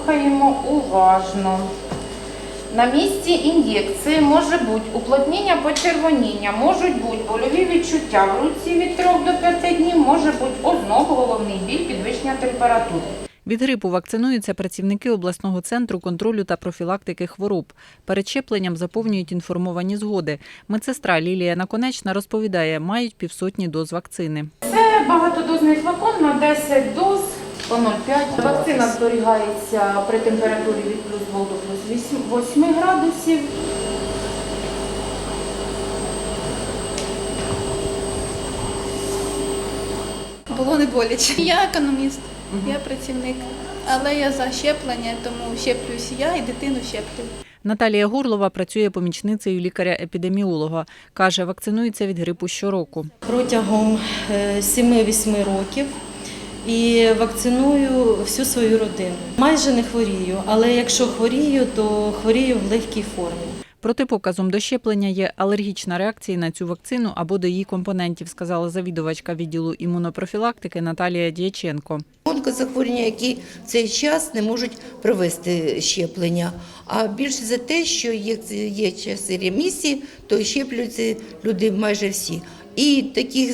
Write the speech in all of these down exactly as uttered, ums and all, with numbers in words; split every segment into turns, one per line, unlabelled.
Слухаємо уважно. На місці ін'єкції може бути уплотнення, почервоніння, можуть бути больові відчуття в руці від трьох до п'яти днів, може бути озноб, головний біль, підвищення температури.
Від грипу вакцинуються працівники обласного центру контролю та профілактики хвороб. Перед щепленням заповнюють інформовані згоди. Медсестра Лілія Наконечна розповідає, мають півсотні доз вакцини.
Це багатодозний флакон на десять доз по нуль цілих п'ять десятих. Вакцина зберігається при температурі від плюс двох до плюс восьми градусів.
Було не боляче. Я економіст, я працівник, але я за щеплення, тому щеплююсь я і дитину щеплю.
Наталія Горлова працює помічницею лікаря-епідеміолога. Каже, вакцинується від грипу щороку.
Протягом семи-восьми років і вакциную всю свою родину. Майже не хворію, але якщо хворію, то хворію в легкій формі.
Протипоказом до щеплення є алергічна реакція на цю вакцину або до її компонентів, сказала завідувачка відділу імунопрофілактики Наталія Дяченко.
Онкозахворювання, які в цей час не можуть провести щеплення, а більше за те, що є часи ремісії, то щеплюються люди майже всі. І таких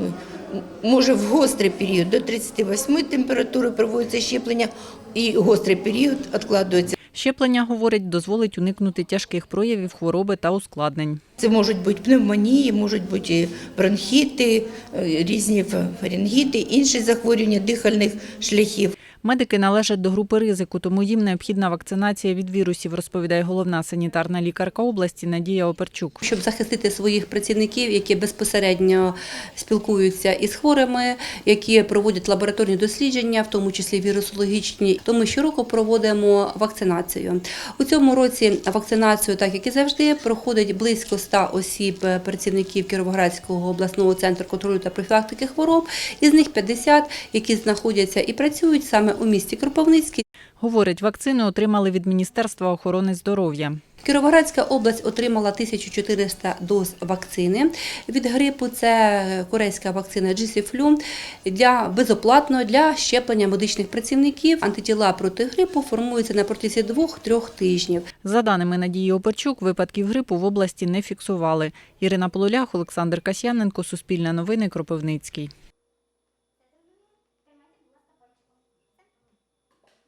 може в гострий період до тридцяти восьми температури проводиться щеплення, і гострий період відкладується.
Щеплення, говорить, дозволить уникнути тяжких проявів хвороби та ускладнень.
Це можуть бути пневмонії, можуть бути бронхіти, різні фарингіти, інші захворювання дихальних шляхів.
Медики належать до групи ризику, тому їм необхідна вакцинація від вірусів, розповідає головна санітарна лікарка області Надія Оперчук.
Щоб захистити своїх працівників, які безпосередньо спілкуються із хворими, які проводять лабораторні дослідження, в тому числі вірусологічні, то ми щороку проводимо вакцинацію. У цьому році вакцинацію, так як і завжди, проходить близько ста осіб працівників Кіровоградського обласного центру контролю та профілактики хвороб, із них п'ятдесят, які знаходяться і працюють саме у місті Кропивницький.
Говорить, вакцину отримали від Міністерства охорони здоров'я.
Кіровоградська область отримала тисячу чотириста доз вакцини від грипу. Це корейська вакцина Джісіфлю для безоплатно для щеплення медичних працівників. Антитіла проти грипу формуються на протязі двох-трьох тижнів.
За даними Надії Оперчук, випадків грипу в області не фіксували. Ірина Полулях, Олександр Касьяненко, Суспільне новини, Кропивницький.